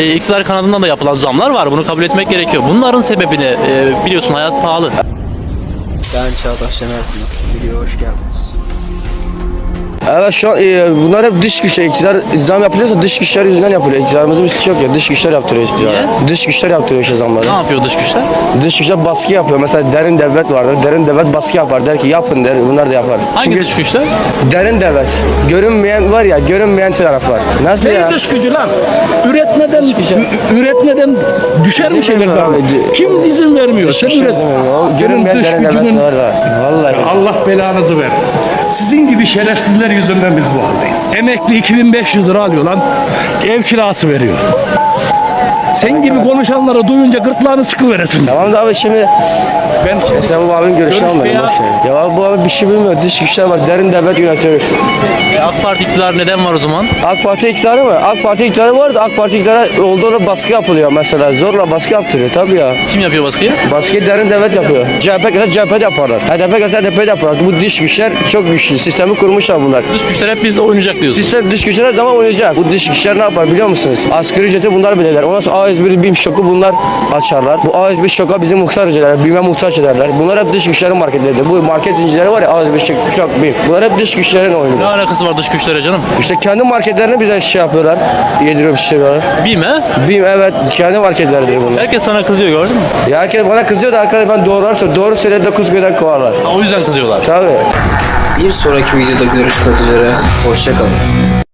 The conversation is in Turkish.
İktidar kanadından da yapılan zamlar var. Bunu kabul etmek gerekiyor. Bunların sebebini biliyorsun, hayat pahalı. Ben Çağdaş Şener Pınar. Videoya hoş geldiniz. Evet, şu an bunlar hep dış güçler. İktidar zam yapılıyorsa dış güçler yüzünden yapılıyor. İktidarımızın bir suçu yok ya. Dış güçler yaptırıyor iktidara. Niye? Dış güçler yaptırıyor işte zamları. Ne yapıyor dış güçler? Dış güçler baskı yapıyor. Mesela derin devlet vardır. Derin devlet baskı yapar. Der ki yapın der. Bunlar da yapar. Hangi Çünkü dış güçler? derin devlet. Görünmeyen var ya, görünmeyen taraf var. Nasıl ya? Ne dış gücü lan? Üretmeden düşer mi İzin şeyler vermiyor lan? abi. Kim izin vermiyor? Sen üret. Senin Görünmeyen dış derin gücünün devlet var. Vallahi. Allah belanızı versin. Sizin gibi şerefsizler yüzünden biz bu haldeyiz. Emekli 2500 lira alıyor lan. Ev kirası veriyor. Sen gibi konuşanları duyunca gırtlağını sıkıveresin. Tamam da abi şimdi Ben sen bu abinin görüşünü Görüş almadın. ya. boş ver. Ya abi bu abi bir şey bilmiyor. Dış güçler var. Derin devlet yönetiyor. AK Parti iktidarı neden var o zaman? AK Parti iktidarı mı? AK Parti iktidarı var da AK Parti iktidarı olduğunda baskı yapılıyor mesela. Zorla baskı yaptırıyor tabii ya. Kim yapıyor baskıyı? Baskıyı derin devlet yapıyor. CHP gelse CHP de yaparlar. HDP gelse HDP de yaparlar. Bu dış güçler çok güçlü. Sistemi kurmuşlar bunlar. Dış güçler hep bizle oynayacak diyorsun. Sistem dış güçler her zaman oynayacak. Bu dış güçler ne yapar biliyor musunuz? Asgari ücreti bunlar belirler. Ondan sonra A101 BİM şoku bunlar açarlar. Bu A101 şoka bizi muhtaç ederler. BİM'e muhtaç ederler. Bunlar hep dış güçlerin marketleridir. Bu market zincirleri var ya, A101 şok, BİM. Bunlar hep dış güçlerin oyunu. Ne alakası var dış güçlere canım? İşte kendi marketlerini bize şey yapıyorlar. Yediriyor pişiriyorlar. BİM he? BİM evet, kendi marketleridir bunlar. Herkes sana kızıyor, gördün mü? Ya herkes bana kızıyor da arkadaş ben doğru söyledi 9 günden kovarlar. O yüzden kızıyorlar. Tabii. Bir sonraki videoda görüşmek üzere. Hoşça kalın.